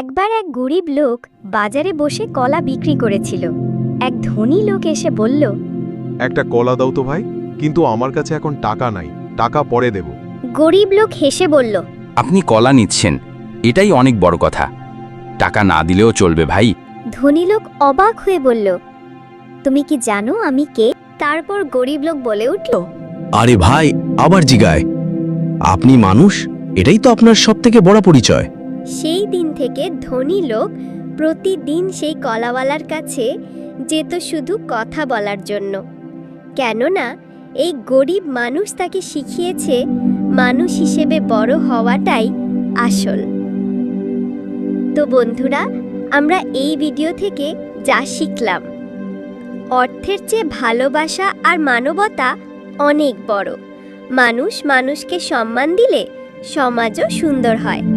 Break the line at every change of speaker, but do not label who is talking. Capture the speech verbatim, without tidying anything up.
একবার এক গরিব লোক বাজারে বসে কলা বিক্রি করেছিল। এক ধনী লোক এসে বলল,
একটা কলা দাও তো ভাই, কিন্তু আমার কাছে এখন টাকা নাই, টাকা পরে দেব।
গরিব লোক হেসে বলল,
আপনি কলা নিচ্ছেন, এটাই অনেক বড় কথা। টাকা না দিলেও চলবে ভাই।
ধনী লোক অবাক হয়ে বলল, তুমি কি জানো আমি কে? তারপর গরিব লোক বলে উঠল,
আরে ভাই, আবার জিগায়, আপনি মানুষ, এটাই তো আপনার সবথেকে বড় পরিচয়।
সেই দিন থেকে ধনী লোক প্রতিদিন সেই কলাওয়ালার কাছে যেত শুধু কথা বলার জন্য। কেননা এই গরিব মানুষ তাকে শিখিয়েছে মানুষ হিসেবে বড় হওয়াটাই আসল। তো বন্ধুরা, আমরা এই ভিডিও থেকে যা শিখলাম, অর্থের চেয়ে ভালোবাসা আর মানবতা অনেক বড়। মানুষ মানুষকে সম্মান দিলে সমাজও সুন্দর হয়।